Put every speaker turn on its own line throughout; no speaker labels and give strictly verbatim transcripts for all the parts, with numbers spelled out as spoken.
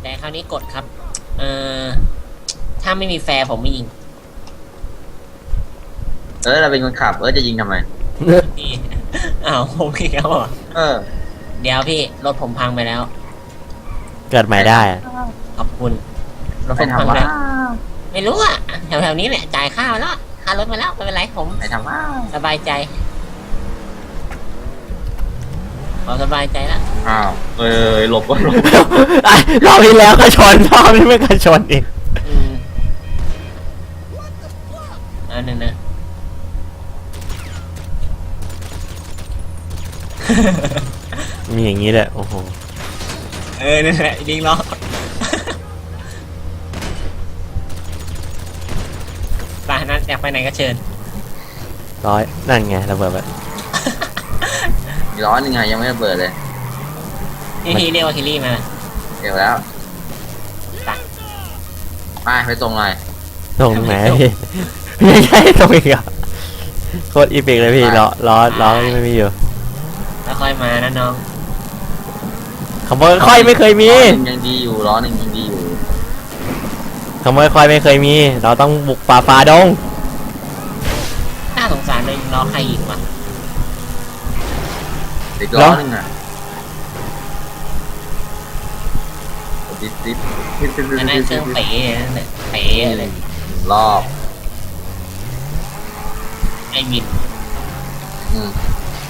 แต่คราวนี้กดครับเอ่อถ้าไม่มีแฟร์ผมไม่ยิง
เออเราเป็นคนขับเออจะยิงทำไม
พี่อ้าวผมอีกแล้วเหรอ
เออ
เดี๋ยวพี่รถผมพังไปแล้ว
เกิดใหม่ได้อะ
ขอบคุณรถผ
ไป
มพัง
ทำว่า
แล้วไม่รู้อ่ะแถวๆนี้แหละจ่ายค่ามาแล้วค่ารถมาแล้วไม่เป็นไรผม
ไปทำว่า
สบายใจขอสบายใจแล้ว
อ้าวเออหลบก็หลบ
ไอ้รอบที่แล้วก็ชนรอบนี้ไม่ก็ชนอีก
อืมอันนึงนะ
มีอย่างนี้เลยโอ้โห
เออนั่นแหละยิงล้อไปนั้นอยากไปไหนก็เชิญ
ร้อยนั่นไงระเบิดไป
มีร้อนยังไงยังไม่ระเบิดเลย
นี่พี่เรียกว่าคิรี่มา
เดี๋ยวแล้ว
ไป
ไปไปตรงเลย
ตรงไหนพี่ไม่ใช่ตรงอีกอ่ะโคตรอีพิกเลยพี่ล้อล้อล้อนี่ไม่มีอยู่
แล้วค่อยมานะน้อง
ขโมยค่อยไม่เคยมี
ล้อหนึ่งยังดีอยู่ล้อหนึ่งยังดีอยู่
ขโมยค่อยไม่เคยมี เราต้องบุกฝ่าฝ่าดง
น่าสงสารเลยล้อใครยิงวะ
ติดล้อหนึ่งอ่ะติดติดติดติดติด
อันนั้น
ติด
เครื่อง
ติด
เป๋นั่นแหละเป๋เลย
รอบ
ไอ้บิน
อืม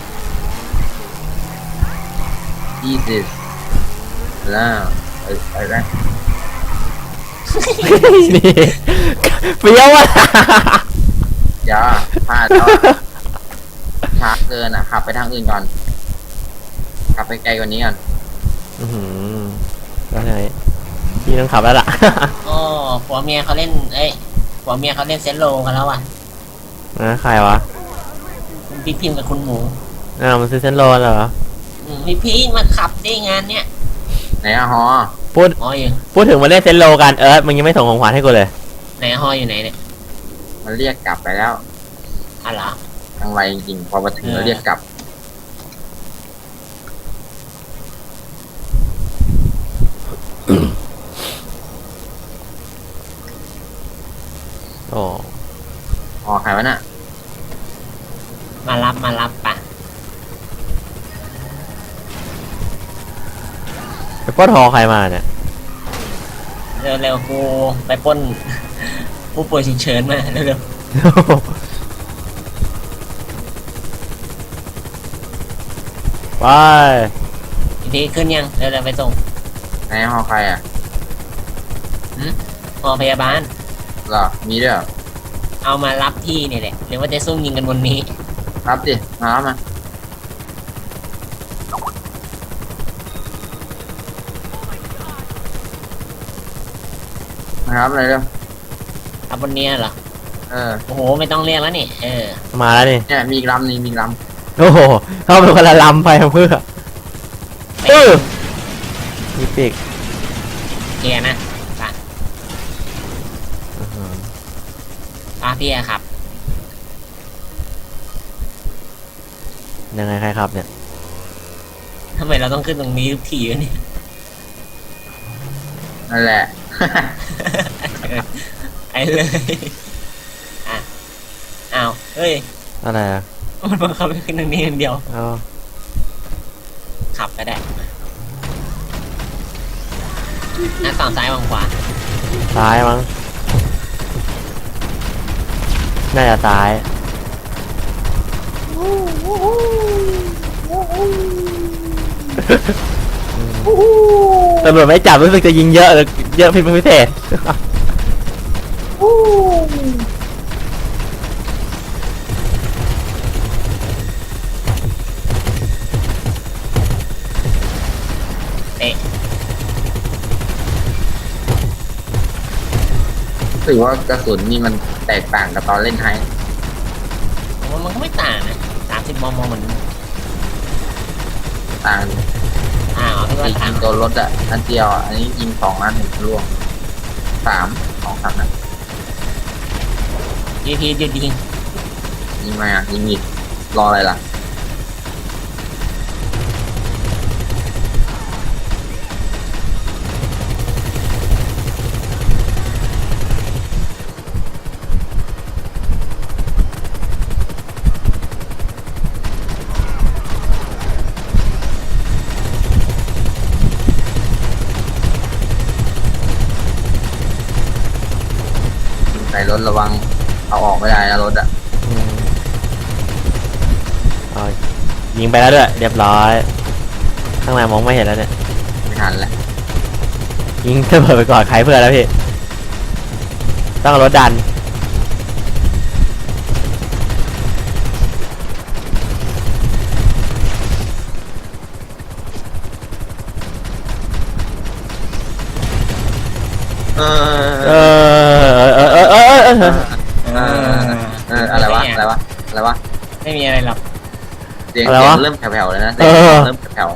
ยี่สิบแล้วไอ้ไอ้แรก
นี่เปรี้ยวอ่ะ
อย่าพลาดแล้วอะช้าเกินอ่ะขับไปทางอื่นก่อนขับไปไกลกว่านี้ก่อน
อื้อหือแล้วไงพี่ต้องขับแล้วล่ะ
โอ้ผัวเมียเขาเล่นเอ้ยผัวเมียเขาเล่นเซนโลกันแล้วอ่ะ
นะใครวะ
คุณพี่พิมพ์กับคุณหมู
อ้าวมันซื้อเส้นโลนเหรอ
อืมพี่พี่มาขับได้งานเนี้ย
ไหนอะฮอ
พูด
ฮออยู่
พูดถึงมาเล่นเซนโลกันเอิร์ธมึงยังไม่ส่งของขวัญให้กูเลย
ไหนฮออยู่ไหนเนี่ย
มันเรียกกลับไปแล้ว
อ๋อเหรอ
ทางไวจริงๆพอมาถึงแล้วเรียกกลับ
โอ้
ฮอใครวะน่ะ
มารับมารับปะ
ไปปล้นหอใครมาเนี่ย
เร็วเร็วกูไปปล้น ผู้ป่วยฉุกเฉินมาเร็วเร็ว
ไป
อีกทีขึ้นยังเร็วเร็วไปส่ง
ไหนฮอใครอ่ะ
ฮอพยาบาล
เหรอมีด้วยเหรอ
เอามารับที่นี่แหละหรือว่าจะซุ่มยิงกันบนนี้
รับดิมารับมามารับอะไรเร็ว
เอาบนเนี้ยเหรอ
เออ
โอ้โหไม่ต้องเรียกแล้วนี่เออ
มาแล้วนี่
เนี่ยมีอีกลำหนึงมีอีกล
โอ้โหเข้าไปคนละลำไปเพื่อเออมีปีก
เคลียร์นะปะ
อื้อหือ
ปะพี่อะครับ
ยังไงใครครับเนี่ย
ทำไมเราต้องขึ้นตรงนี้ทุกทีวะเนี่ย
ำนั่นแหละ
ไอ้เลยอ่ะอ้าวเฮ้ย
อะไรอ่ะ
มันบังคับให้ขึ้นตรงนี้อย่างเดียว
เอา
ขับก็ได้นะฝั่งซ้ายวางขวา
ซ้ายมั้งน่าจะซ้ายตำรวจไม่จับรู้สึกจะยิงเยอะเลยเยอะผิดเป็นพิเศษ
เตะ
ถือว่ากระสุนนี่มันแตกต่างกับตอนเล่นไฮ
ผมว่ามันก็ไม่ต่างนะสามสิบมมเหมือน
ต่าง
อ่าพี่ว่า
ยิ
ต่าง
งตัวรถอะอันเดียวอะอันนี้ยิงสองนัดหนึ่งร่วงสามสองสามนัด
ยีพีหยุดยิง
ยิงมาอะยิงอีกรออะไรล่ะถระวังเอาออกไม่ได้นะรถอ่ะ
อืมเอายิงไปแล้วด้วยเรียบร้อยข้างในมองไม่เห็นแล้วเนี่ย
ไม่ทันแล้ว
ยิงระเบิดไปก่อนใครเพื่อนแล้วพี่ต้องเอารถดัน
เอ
เอ
อ
อเออเออเออเออเออ
เออเอออะไรวะอะไรวะอะไรวะ
ไม่มีอะไรหรอก
เสียงเสียงเริ่มแผ่วๆเลยนะเสียงเริ่มแผ่ว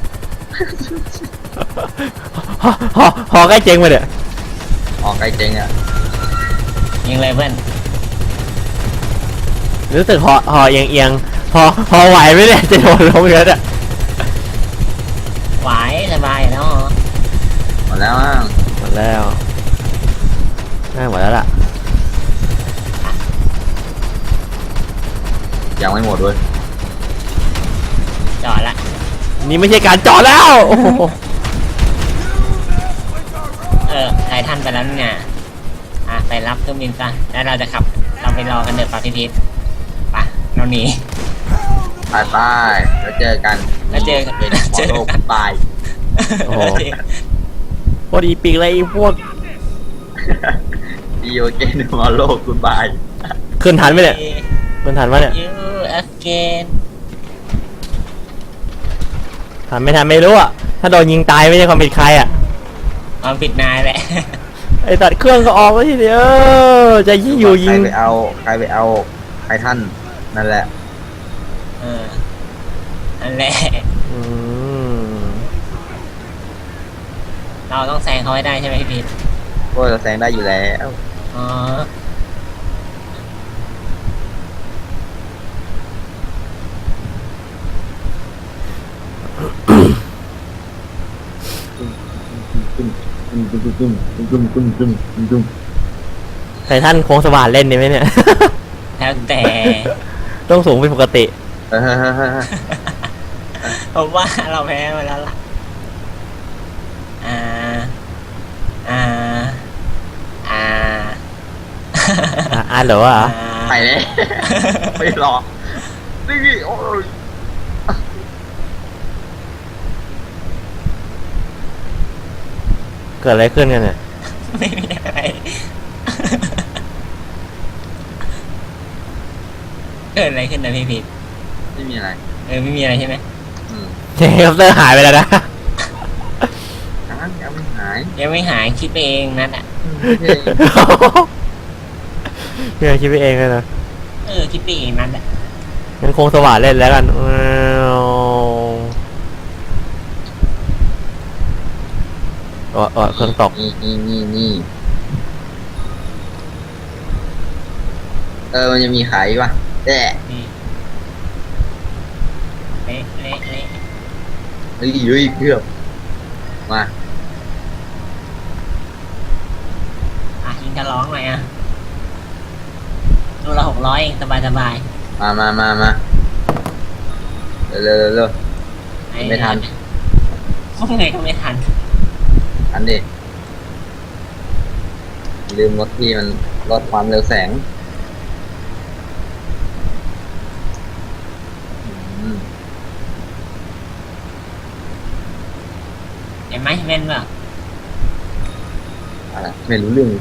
ฮอฮอฮอใกล้เจ๊งไปเนี่ย
ๆออกไกลเจ๊งอ่ะ
ยิงเลยเพื่อน
รู้สึกฮอฮอเอียงเอียงฮอฮอไหวไหมเนี่ยจะโดนลงเยอะอ่ะ
ไหวสบายอยู่แล้วเหรอ
หมดแล้วอ่ะ
หมดแล้วน่าหมดแล้วล่ะ
ยังไม่หมดด้วย
จอดละ
นี่ไม่ใช่การจอดแล้วโอ้โห
เออไททันไปแล้วเนี่ยอ่ะไปรับเครื่องบินซะแล้วเราจะขับเราไปรอกันเดือดปาพิพิธไปเราหนี
ไปไปแล้วเจอกัน
แล้วเจอกัน
เป็นหมอโลกบาย
โอ้โหพอดีปีกเลยไอ้พวก
ดีโอเกนหมอโลกคุณบาย
ขึ้นทันไหมเนี่ยขึ้นทันปะเนี่ย
ยูเอฟเกน
ทันไม่ทันไม่รู้อ่ะถ้าโดนยิงตายไม่ใช่ความผิดใครอ่ะ
ความผิดนายแหละ
ไอ้ตัดเครื่องก็ออกแล้วทีเดียวจะยิงอยู่ยิ
ใครง ไปเอาใครไปเอาไททันนั่นแหละ
เออนั่นแหละ
อืม
เราต้องแซงเขาให้ได้ใช่ไหมพี่พีท
พวกเราแซงได้อยู่แล้ว
อ๋อ
ไททันโค้งสว่านเล่นดีไหมเนี่ย
แล้วแต่
ต้องสูงเป็นปกติ
เฮ้ยเฮ้ยเฮ้ยเฮ้ย
ผมว่าเราแพ้มาแล้วล่ะอ่าอ่าอ่า
อ่ะอ่านเหรอวะ
ไปเลยไม่รอนี่โอ้ย
เกิดอะไรขึ้นกันเนี่ย
ไม่มีอะไรเกิดอะไรขึ้นนะพี่พีท
ไม่มีอะไร
เออไม่มีอะไรใช่ไหม
อืม
เฮลิคอปเตอร์หายไปแล้วนะ
ยังยังไม่หาย
ยังไม่หายคิดไปเองนั่นอ่ะ
เพื่อคิดไปเองเลยนะ
เออคิดไปเองนั่นแหละ
งั้นโค้งสว่านเล่นแล้วกันเออเออเครื่องตก
นี่นี่นี่นี่เออมันจะมีขายป่ะแต่
นี่เละเละเละ
เฮ้ยเฮ้ยเกือบมา
อ่ะยิงจะร้องหน่อยอ่ะตัวละหกร้อยเองสบายสบาย
มามามามาเร็วเร็วเร็วเร็ว
ๆ
ไม่ทัน
พวกไงก็ไม่ทัน
อันนี้ลืมรถที่มันลดความเร็วแสงอืม
เห็นไหมแม่นเปล่า
อะไรไม่รู้เรื่อง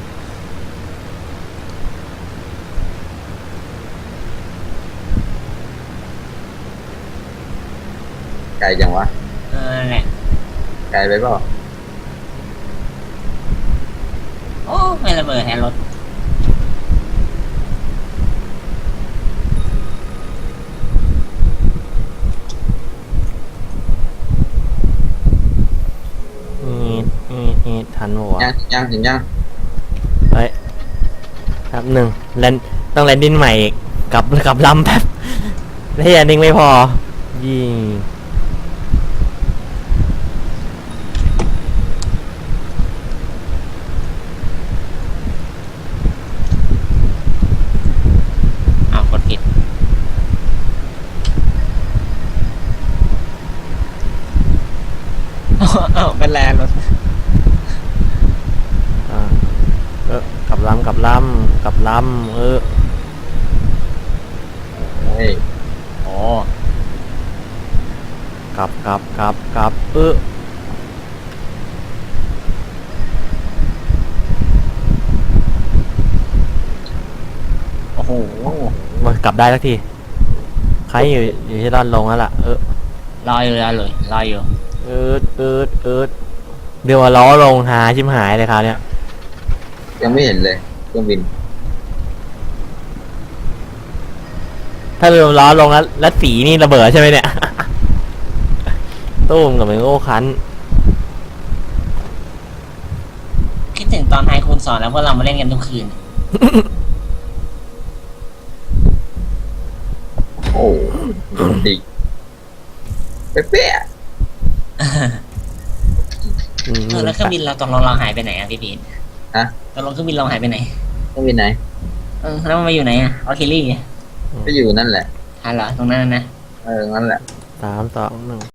ไกลจังวะ
เออนั่นแหละ
ไกลไปเปล่า
โอ้ไม่ระเบิดแทนรถ
นี่นี่นี่ทันหมด
ยังยังถึงยัง
เฮ้ยครับหนึ่งแลนต้องแลนดิ้งใหม่อีกกลับกลับลำแบบแล้วแลนดิ้งไม่พอยิง
เอากดผิด เอาเป็นแลนรถ
อ่าเออกลับลำกลับลำกกับลำเออ
เฮ้ย
โอ้
กลับกลับกลับกลับเออ
โอ้โห
มากลับได้สักทีใครอยู่อยู่ที่ด้านลงแล้วล่ะเออ
รออยู่รอเลยรออยู่
เอิดเอิดเอิดเดี๋ยวว่าล้อลงหาชิมหายเลยคราวเนี้ย
ยังไม่เห็นเลยเครื่องบิน
ถ้าเรือล้อลงแล้วแล้วสีนี่ระเบิดใช่ไหมเนี่ย ตู้มกับเมงโอ้คัน
คิดถึงตอนไฮคูณสอนแล้วพวกเรามาเล่นกันทุกคืน
โอ้ดีเป๊ะ
อืม
เออแล้วเครื่องบินเราตกลงเราหายไปไหนอ่ะพี่พีท
ๆฮะ
ตกลงเครื่องบินเราหายไปไหน
เครื่องบินไหน
เออแล้วมันมาอยู่ไหนอ่ะออคิลี่
ก็อยู่นั่นแหละ
อ่ะเหรอตรงนั้นนะ
เออนั่นแหละ
สามสองหนึ่ง